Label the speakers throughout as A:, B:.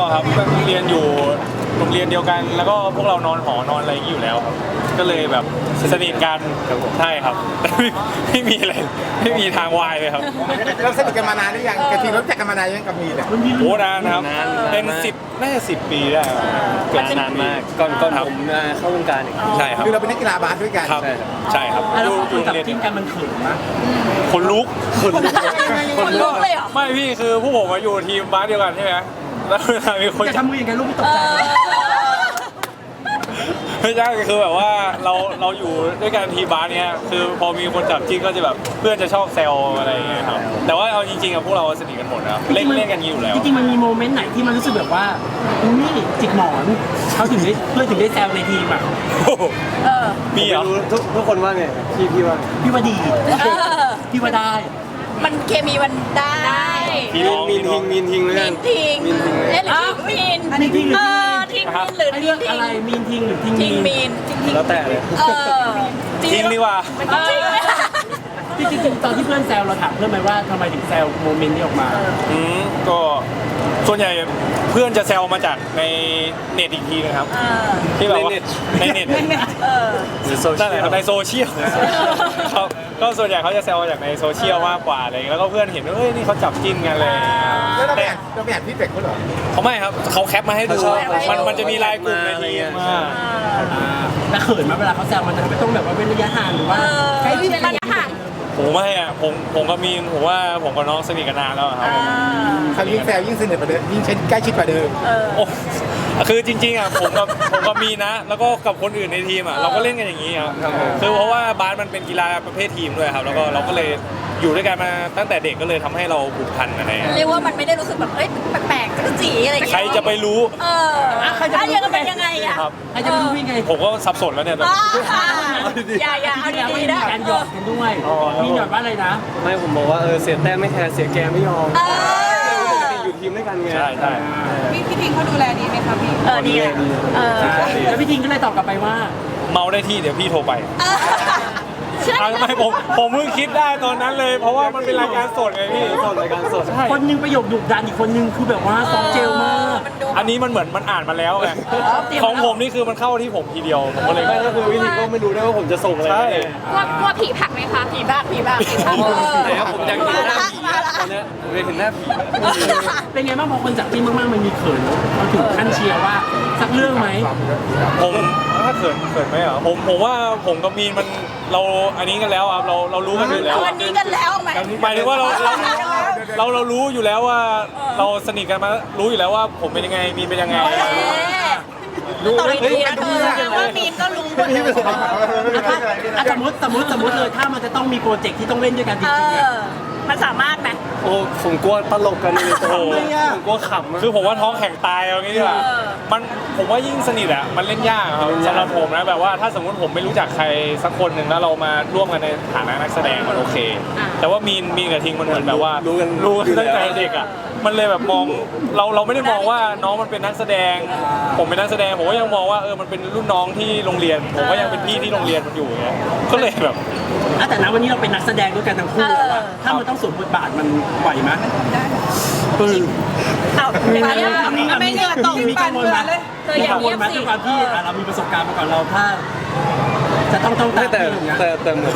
A: ครับเรียนอยู่โรงเรียนเดียวกัน แล้วก็พวกเรานอนหอนอนอะไรอย่างนี้อยู่แล้วครับก็เลยแบบสนิทกันใช่ครับแต่ไม่มีอะไรไม่มีทางวายเลยครับ
B: เราสนิทกันมานานหรือยังกะทิรู้จักกันมานานยังกับมีเนี่ย
A: โอ้นานครับเป็นน่าจะ10 ปีได้ครับเกือบ
C: นาน
A: 10 ปี
C: มากก่อนผมเข้าวงการอีก
A: ใช่ครับ
B: คือเราเป็นนักกีฬาบาสด้วยกัน
A: ครับใช่ครับ
D: แล้ว
A: อ
D: คุย
A: ยู่
D: กับ
A: โรงเรียน
D: จิ้นกันมันเขินนะ
A: คนลุก
E: คนลุกเลยเหรอ
A: ไม่พี่คือผู้ผมมาอยู่ทีมบาสเดียวกันใช่ไหมแล้วเวลามีคน
D: จะทำมือยังไงลูกไม่ตกใจ
A: ไม่ใช่คือแบบว่าเราอยู่ด้วยกันทีมบาสเนี้ยคือพอมีคนจับจิ้นก็จะแบบเพื่อนจะชอบแซวอะไรอย่างเงี้ยครับแต่ว่าเอาจริงๆอะพวกเราสนิทกันหมดนะครับเล่นกันอยู่แล้ว
D: จริงๆมันมีโมเมนต์ไหนที่มันรู้สึกแบบว่านี่จิกหมอนเขาถึงได้เพื่อนถึงได้แซวในทีมอ่ะ
A: มีเหรอ
C: ทุกคนว่าไงพี่ว่า
D: พี่ว่าดี
E: เออ
D: พี่ว่าได้
E: มันเคมีมันได้
A: พี่น้อง
C: มีนทิงเลย
E: มีนทิ้ง
C: มีนทิงเลย
E: เล่นหรือทิ้งมีน
D: อันนี้ทิ้งหรือ
E: เอ
D: ทิ้ง
E: อทิ้งมีนหรือ
D: ไอ้
E: ทิ้
D: เรื่อง ง
E: ทิ้ง
D: อะไรมีนทิ้งหรือทิ้ง
E: ทิ้ง
D: มี
E: มี
D: น
E: นทิ้ง
C: แล้วแต่เลย
E: เออ
A: จริงดีว่า
E: มันก็จริงไหม
D: จริงๆตอนที่เพื่อนแซวเราถามเพื่อนไหมว่าทำไมถึงแซวโมเมนต์นี้ออกมา
A: ก็ส่วนใหญ่เพื่อนจะแซวมาจากในเน็ตอีกทีนะครับ
E: เออ
A: ที่แบบว่าในเน็ต
E: เออ
C: หรือโซ
A: นั่
C: เชี
A: นแห
C: ย
A: ละ
C: ล
A: ในโซเชียลครับก็ส่วนใหญ่เขาจะแซวมาจากในโซเชียลมากกว่าอะไรอย่างเงี้ยแล้วก็เพื่อนเห็นว่าเฮ้ยนี่เขาจับจิ้นกันเลย
B: แล้วเราไป
A: แต่
B: อ่านพี่เป็กเขาเหรอ
A: เขาไม่ครับเขาแคปมาให้ดูมันจะมีไลน์กลุ่มในทีมมา
D: แล้วเขินไหมาเวลาเขาแซวมันจะต้องแบบว่าเว้นระยะห่างหรือว่า
E: ใช้เป็นระยะห่าง
A: ผมไม่อะผมกับมีนผมว่าผมกับน้องสนิทกันนานแล้วครับ
B: คำยิ่งแซวยิ่งสนิทกว่าเดิมยิ่งใกล้ชิดกว่าเดิม
A: โอ้คือจริงๆอะผมกับมีนนะ แล้วก็กับคนอื่นในทีมอะเราก็เล่นกันอย่างนี้ครับคือเพราะว่าบาสมันเป็นกีฬาประเภททีมด้วยครับแล้วก็เราก็เลยอยู่ด้วยกันมาตั้งแต่เด็กก็เลยทำให้เราผูกพันอะไรอย่างเงี้ย
E: เรียกว่ามันไม่ได้รู้สึกแบบเอ้ยแปลกๆจักรจีอะไรอย่างเงี้ย
A: ใครจะไปรู้
E: เออใครจะเป็นยังไงอ่ะ
A: ครับ
D: ใครจะไปรู้ยังไง
A: ผมก็สับสนแล้วเนี่ย
E: อย่าเอา
D: แล้ว
E: ดี
D: มี
E: ๆนะ
D: การหยอดกันด้วยมีหยอดว่าอะไรนะ
C: ไม่ผมบอกว่าเสียแต้มไม่แคร์เสียแกไม่ยอม
E: เอ
C: ปกติอยู่ทีมด้วยกันไง
A: ใช่ใช่
F: พี่ทิงเขาดูแลดีไหมคะพี่
E: อดีอ่ะเออ
D: แล้วพี่ทิงก็เลยตอบกลับไปว่า
A: เมาได้ที่เดี๋ยวพี่โทรไปทำไมผมเพิ่งคิดได้ตอนนั้นเลย เพราะว่ามันเป็นรายการสดไงพี่
C: สดรายการสด
A: ใช่
D: คนหนึงประโยคดุดันอีกคนหนึงคือแบบว่าซอฟต์เจลมาก
A: อันนี้มันเหมือนมันอ่านมาแล้วไงของผมนี่คือมันเข้าที่ผมทีเดียวผมก็เลย
C: ไม่ก็คือวิธีก็ไม่รู้ด้วยว่าผมจะส่งอะไร
A: ใช่
E: กลัวผีผักไหมคะผีผัก
C: ไหนครับผมอยากเห็นหน้าผีอะตอนเนี้ยผมอยากเห็นหน้าผี
D: เป็นไงบ้างพอคนจับจิ้นมากๆมันมีเขินเราถึงขั้นเชียร์ว่าสักเรื่องไหม
A: ผมถ้าเขินไหมเหรอผมว่าผมกับมีนมันเราอันนี้กันแล้วครับเรารู้กันอยู่แล้ว
E: วันนี้กันแล้วไหม
A: หมายถึงว่าเรารู้อยู่แล้วว่าเราสนิทกันมารู้อยู่แล้วว่าผมเป็นยังไงมีนเป็นยังไง
E: ต่อไปนี้นะว่ามีนก็รู้หมดเลย
D: สมมติเลยถ้ามันจะต้องมีโปรเจกต์ที่ต้องเล่นด้วยกันจริงๆอะ
E: มันสามารถไหม
C: โอ้ผมกลัวตลกกันเลย
A: โอ้โห
C: ผมกลัวขำอะ
A: คือผมว่าท้องแข็งตายเอางี้ดีกว่ามันผมว่ายิ่งสนิทอ่ะมันเล่นยากครับสำหรับผมนะแบบว่าถ้าสมมติผมไม่รู้จักใครสักคนหนึ่งแล้วเรามาร่วมกันในฐานะนักแสดงมันโอเค แต่ว่ามีนกับทิงมันเหมือนแบบว่ารู้กันตั้งแต่เด็กอ่ะมันเลยแบบมองเราไม่ได้มองว่าน้องมันเป็นนักแสดง ผมเป็นนักแสดงผมก็ยังมองว่ามันเป็นรุ่นน้องที่โรงเรียน ผมก็ยังเป็นพี่ที่โรงเรียนมันอยู่อย่างเงี้ยก็เลยแบบ
D: แต่ณวันนี้เราเป็นนักแสดงด้วยกันทั้งคู่แล้วอะถ้ามันต้องสวมบทบาทมันไหวไหม
E: เอาไม่เงือตก
D: มีกังวลไหม
E: เธออย่าง
D: มีกังว
E: เงี
D: ล
E: ยบ
D: ไหม
E: สิ
D: ด้วยความที่เรามีประสบการณ์มาก่อนเราถ้าจะต้องตาม
C: ไม่แต่
D: ที่อย่างเงี้ย
C: แต่เหมือน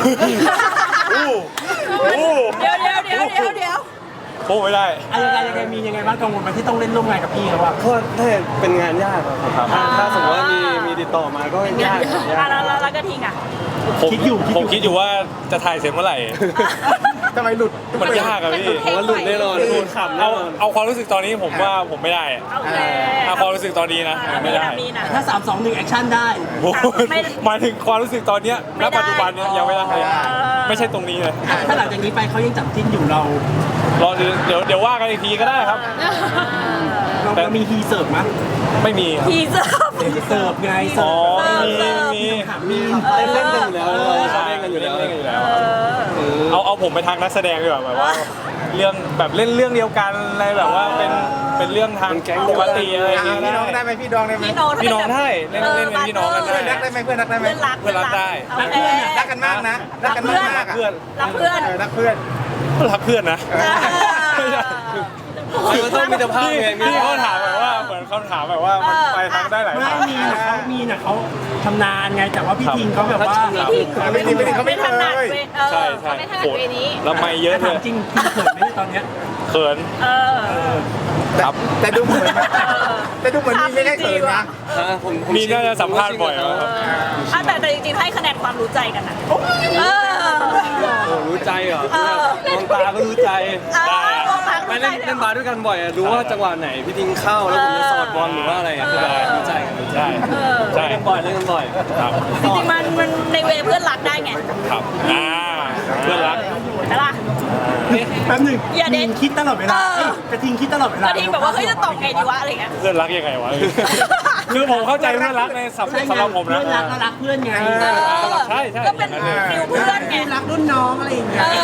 E: เดี๋ยว
A: โอ้ไม่ได้
D: ยังไงมียังไงบ้างกังวลไหมที่ต้องเล่นร่วมงานกับพี่เขาอะ
C: ก็ถ้าเป็นงานยากอะครับถ้าสมมติว่ามีติดต่อมาก็ยาก
E: แล้วก็ทิ้งอ่ะ
A: ผมคิดอยู่ว่าจะถ่ายเสร็จเมื่อไหร่
B: ทำไมหลุด
A: มันยากอะพี่
C: ผมว่าหลุดแน่นอนหลุดขำแน่นอน
A: เอาความรู้สึกตอนนี้ผมว่าผมไม่ได้อะ
E: โอเค
A: เอาความรู้สึกตอนนี้นะไม่ได้
E: มีนะ
D: ถ้า 3 2 1 แอคชั่นได้
A: โอ้โหหมายถึงความรู้สึกตอนเนี้ยณปัจจุบันเนี้ยยังไม่ได้ไม่ใช่ตรงนี้เลย
D: ถ้าหลังจากนี้ไปเขายังจับจิ้นอยู่เรา
A: รอเดี๋ยวว่ากันอีกทีก็ได้ครับ
D: เรามีฮีเสิร์ฟมั้ย
A: ไม่มีครับ
E: ทีเสิร์ฟ
D: เสิร์ฟไง
A: อ๋
D: เสิ
A: อ
D: ร์ฟ
A: มี
D: ถามมี
C: เล่นกันอยู่แล้ว
A: ใช่
C: เล่นกันอยู่แล้ว
A: เล่นกันอยู่แล้วเอาผมไปทางนักแสดงดีกว่าแบบว่าเรื่องแบบเล่นเรื่องเดียวกันอะไรแบบว่าเป็นเรื่องทางปกติอะไรอย่างเงี้ย
B: พี่น้องได้ไหมพี่น้องได้ไหม
A: พี่น้องได้เล่นเป็นพี่น้องกัน
B: เพื่อนรั
A: ได้
B: กได้ไหมเพื่อนรักได้ไหม
E: เพื่อนรัก
B: รักกันมากนะรักกันมากๆ
A: เพื่อน
E: รักเพื่อน
B: รักเพื่อน
A: รักเพื่อนนะ
C: มันต้องมีสภาพไง
A: พี่เขาถามแบบว่าเหมือนคำถามแบบว่ามันไปทางได้หลาย
D: ไม่
A: ทาง
D: มีน่ะเขาชำนาญไงแต่ว่าพี่ทิงเขาแบบว่า
B: ไม่ดีเขาไม่
E: ถนัด
B: เลย
E: เว
A: ใช่ใช่
E: เขาไม่ถนัดเวนี้
A: แล้วไม่เยอะเล
D: ถาม
A: ย
D: จริงพี่เขินไหมตอนเนี้ย
A: เขิน ครับ
B: แต่ดูเหมือนแต่ดูเหมือนมีไม่ได้เกินนะ
C: ผม
A: มีน่าจะสัมภาษณ์บ่อยครับ
E: แต่จริงๆให้คะแนนความรู้ใจกันนะ
C: รู้ใจเหรอมองตาก็รู้ใจไม่เล่นบาสด้วยกันบ่อยอะรู้ว่าจังหวะไหนพี่ทิ้งเข้าแล้วผมจะสอดบอลหรือว่าอะไรอะรู้ใจกัน
A: ใช่ใช่
C: เล่นบ่อยเล่นกันบ่อย
A: ครับ
E: จริงๆมันในเวเพื่อนรักได้ไง
A: ครับเพื่อนรัก
E: ใช่ปะ
D: แป๊บหนึง
E: อย่าเด็ด
D: ทิงคิดตลอดเวลาเอ้ยกระทิงคิดตลอดเว
E: ก
D: ลา
E: ระทิงแบบว่าเฮ้ยจะตอบไงดีวะอะไรเงี้ย
A: เพื่อนรักยังไงวะ คือผมเข้าใจเพื่อนรักในสำหรับผมนะ
D: เพื่อนรักก็รักเพื่อนไง
A: ใช่ใช่
E: ก็เป็นฟิลเพื่อนไง
D: รักรุ่นน้องอะไรอย่างเงี้ย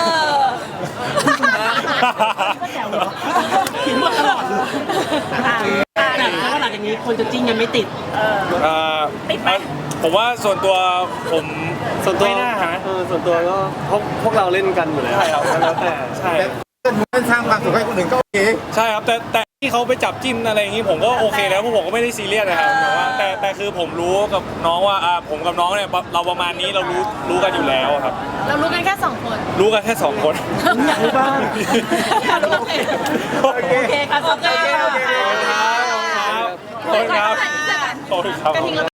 D: ก็แซวเหรอคิดว่าตลอดเลยแต่แล้วหลังจากนี้คนจะจิ้นยังไม่ติด
E: ติดไหม
A: ผมว่าส่วนตัวผม
C: ส่วนตัว
A: ไม่น่าหา
C: ส่วนตัวก็พวกเราเล่นกันอยู่แล้ว
A: ใช่ครับ
C: แล้วแต่
A: ใช่
B: แต่สร้างความสุขให้คนอื่นก็โอเค
A: ใช่ครับแต่ที่เขาไปจับจิ้นอะไรอย่างนี้ผมก็โอเคแล้วเพราะผมก็ไม่ได้ซีเรียสนะครับแต่ว่าแต่คือผมรู้กับน้องว่าผมกับน้องเนี่ยเราประมาณนี้เรารู้กันอยู่แล้วครับ
E: เรารู้กันแค่2 คน
A: รู้กันแค่2 คน
D: อยากรู้บ้าง
E: อยากรู้โอเค
A: โอเค
E: โอเคค่ะโอเค
A: ขอบคุณครับขอบคุณครับขอบคุณครับ